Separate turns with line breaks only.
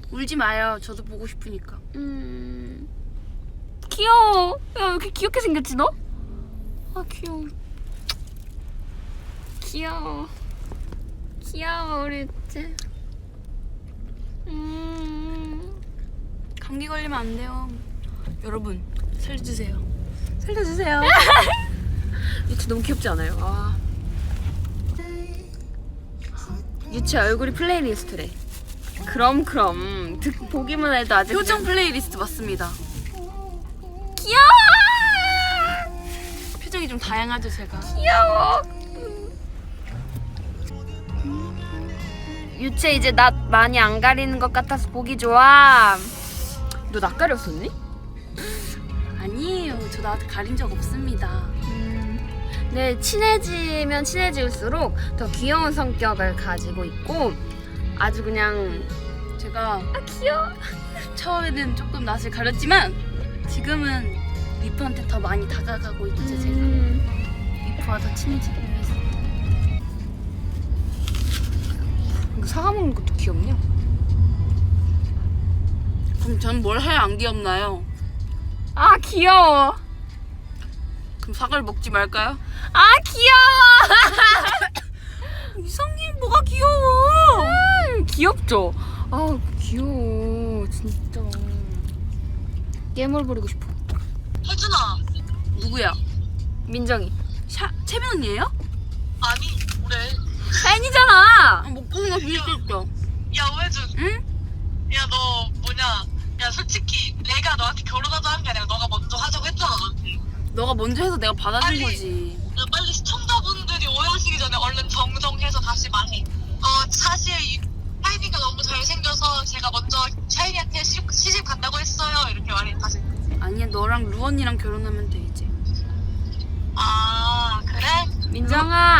울지 마요. 저도 보고 싶으니까.
귀여워. 야, 왜 이렇게 귀엽게 생겼지 너? 아 귀여워. 귀여워 우리 이제.
감기 걸리면 안 돼요. 여러분 살려주세요. 살려주세요.
유치 너무 귀엽지 않아요? 아. 유치 얼굴이 플레이리스트래. 그럼 보기만 해도 아주
표정 플레이리스트 맞습니다.
귀여워.
표정이 좀 다양하죠 제가.
귀여워. 유채 이제 낯 많이 안 가리는 것 같아서 보기 좋아. 너 낯 가렸었니?
아니에요. 저 나한테 가린 적 없습니다.
네, 친해지면 친해질수록 더 귀여운 성격을 가지고 있고 아주 그냥
제가
귀여워.
처음에는 조금 낯을 가렸지만 지금은 리프한테 더 많이 다가가고 있죠 제가. 리프와 더 친해지기 위해서.
이거 사과 먹는 것도 귀엽냐?
그럼 전 뭘 해야 안 귀엽나요?
아 귀여워.
그럼 사과를 먹지 말까요?
아 귀여워.
이성님 뭐가 귀여워?
귀엽죠? 아 귀여워 진짜. 깨물 부리고 싶어.
혜준아.
누구야?
민정이.
채민 언니예요?
아니 그래.
팬이잖아.
목소리가 비슷했어.
야 오혜준.
응?
야 너 뭐냐. 야 솔직히 내가 너한테 결혼하자 한 게 아니라 너가 먼저 하자고 했잖아 너한테.
너가 먼저 해서 내가 받아준
빨리.
거지.
야 빨리 시청자분들이 오해하시기 전에 얼른 정정해서 다시 말해. 사실 이 샤이니가 너무 잘생겨서 제가 먼저 샤이니한테 시집 간다고 했어요. 이렇게 말해 다시.
아니야 너랑 루 언니랑 결혼하면 돼 이제.
아 그래?
민정아